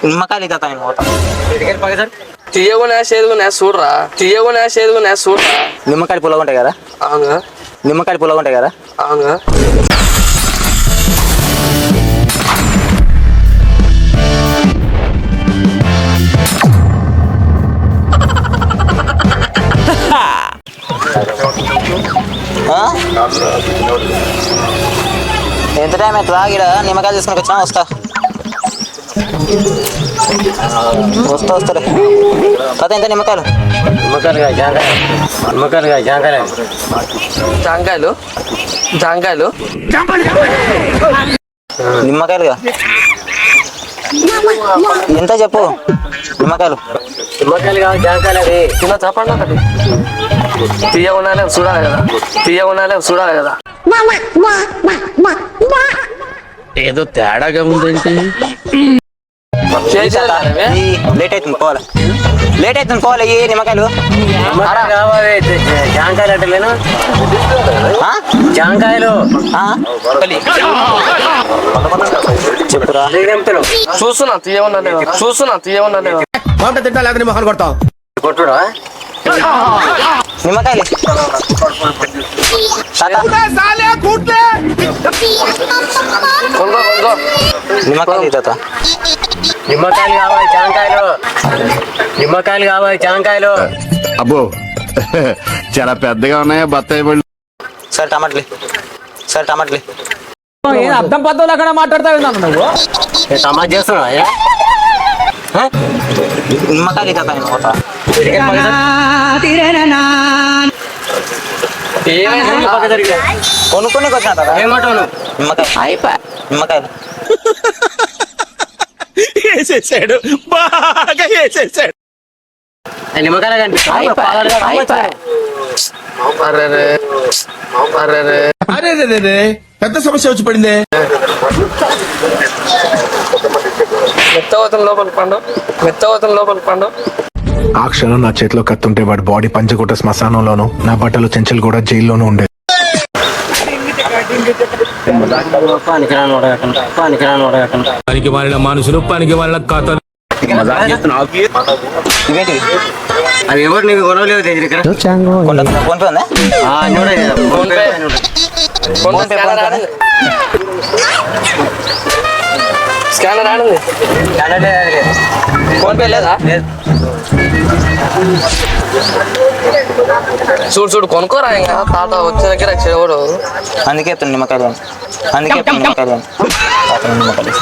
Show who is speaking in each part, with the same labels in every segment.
Speaker 1: నిమ్మకాయలు తాత నేను పోతా.
Speaker 2: తీయగునే సేదుగునే చూడరా, తీయగునే సేదుగునే చూడరా.
Speaker 1: నిమ్మకాయలు పుల్లగా ఉంటాయి కదా.
Speaker 2: అవునుగా.
Speaker 1: నిమ్మకాయలు పుల్లగా ఉంటాయి కదా.
Speaker 2: అవునుగా.
Speaker 1: ఎంత టైం అవుతుందా? ఇక్కడ నిమ్మకాయలు తీసుకుని వచ్చినా వస్తా వస్తాలే. తాత ఎంత నిమ్మకాయలు?
Speaker 2: జాంకాయలు జాంకాయలు
Speaker 1: నిమ్మకాయలుగా ఎంత చెప్పు? నిమ్మకాయలు
Speaker 2: తిన్న చెప్పండి ఒకటి. తీయగున్నాలే చూడాలి కదా, తీయగున్నాలే చూడాలి కదా.
Speaker 3: ఏదో తేడాగా ఉందంటే
Speaker 1: లేట్ అవుతుంది పోవాలి, లేట్ అవుతుంది పోవాలి. ఈ నిమ్మకాయలు
Speaker 3: జాంకాయలు అంటలేను, జాంకాయలు
Speaker 1: చెప్పురా.
Speaker 2: చూస్తున్నా తీయగున్నా లేదా, చూస్తున్నా తీయగున్నా లేదా.
Speaker 3: తింటా లేదా మొహన్ కొడతాం
Speaker 1: కొట్టుడా నిమ్మకాయలు
Speaker 2: కొనుక్కో కొనుక్కో.
Speaker 1: నిమ్మకాయలు తాత.
Speaker 3: నిమ్మకాయలు కావాలి, జాంకాయలు నిమ్మకాయలు కావాలి, జాంకాయలు.
Speaker 4: అబ్బో చాలా పెద్దగా ఉన్నాయా బత్తాయి పళ్ళు?
Speaker 1: సరే టమాటలే, సరే టమాటలే.
Speaker 5: అర్థం పద్ధతులు అక్కడ మాట్లాడతావు నువ్వు.
Speaker 3: టమాటా చేస్తున్నా
Speaker 1: నిమ్మకాయలు తాత నేను పోతా. కొనుక్కొని వచ్చిన తాత.
Speaker 3: ఏమంటావు?
Speaker 1: నిమ్మకాయ నిమ్మకాయలు
Speaker 4: వేసేసాడు, బాగా వేసేసాడు.
Speaker 3: నిమ్మకాయలు కనిపిస్తాయి.
Speaker 4: అరే పెద్ద సమస్య వచ్చి పడిందే.
Speaker 2: మెత్తవతం లోపల పండు, మెత్తవతం లోపల పండు.
Speaker 6: ఆ క్షణం నా చేతిలో కత్తుంటే వాడి బాడీ పంచగుట్ట శ్మశానంలోను, నా బట్టలు చెంచలు కూడా జైల్లోనూ ఉండేది.
Speaker 5: పనికి మారిన మనుషులు, పనికి మారిన కథలు.
Speaker 1: ఇవేంటివి?
Speaker 3: అవి ఎవరు నీకు గొడవలేవు దగ్గర
Speaker 1: ఫోన్ పే ఉందా?
Speaker 2: ఫోన్ పే స్కానర్ ఆడింది. ఫోన్ పే లేదా? చూడు చూడు కొనుక్కోరా. ఇంకా తాత వచ్చే దగ్గర చెవుడు.
Speaker 1: అందుకే చెప్తాను నిమ్మకాయలు, అందుకే చెప్తాను నిమ్మకాయలు. నిమ్మకాయలు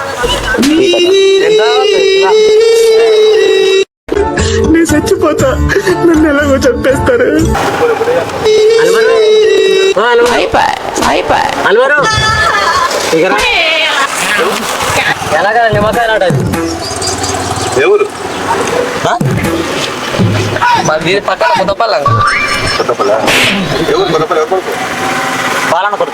Speaker 6: నేను చచ్చిపోతా, నన్ను ఎలాగో చంపేస్తారు.
Speaker 3: ఎలాగ నిమ్మకాయలు ఆడది
Speaker 4: ఎవరు?
Speaker 2: మరి దీని పక్కన కొత్తపల్లం.
Speaker 1: పాలన కొడుకు.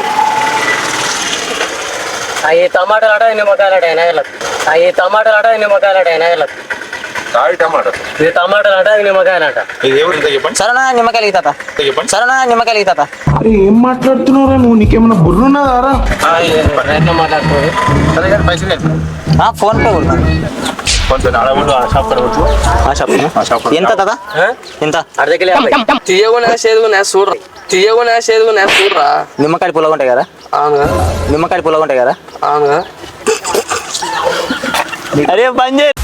Speaker 3: అవి టమాటాలు ఆడ నిమ్మకాయలు ఆడ ఎనగలకు, అవి టమాటాలు ఆడ నిమ్మకాయలు ఆడ ఎనగలకు. ఇది టమాటాలు ఆట, నిమ్మకాయలు ఆట.
Speaker 1: సరేనా నిమ్మకాయలు తాత, సరేనా నిమ్మకాయలు తాత.
Speaker 6: అరే ఏం మాట్లాడుతున్నారా నువ్వు? నీకేమన్నా బుర్రున్నదారా?
Speaker 3: మాట్లాడుతుంది
Speaker 1: ఫోన్ పే కొడుతాను. ఎంత తాత? ఎంత?
Speaker 2: తీయగునే సేదుగునే చూడరా, తీయగునే సేదుగునే చూడరా.
Speaker 1: నిమ్మకాయలు పుల్లగా ఉంటాయి కదా.
Speaker 2: అవునుగా.
Speaker 1: నిమ్మకాయలు పుల్లగా ఉంటాయి కదా.
Speaker 2: అవునుగా.
Speaker 1: అరే బంద్ చేయి.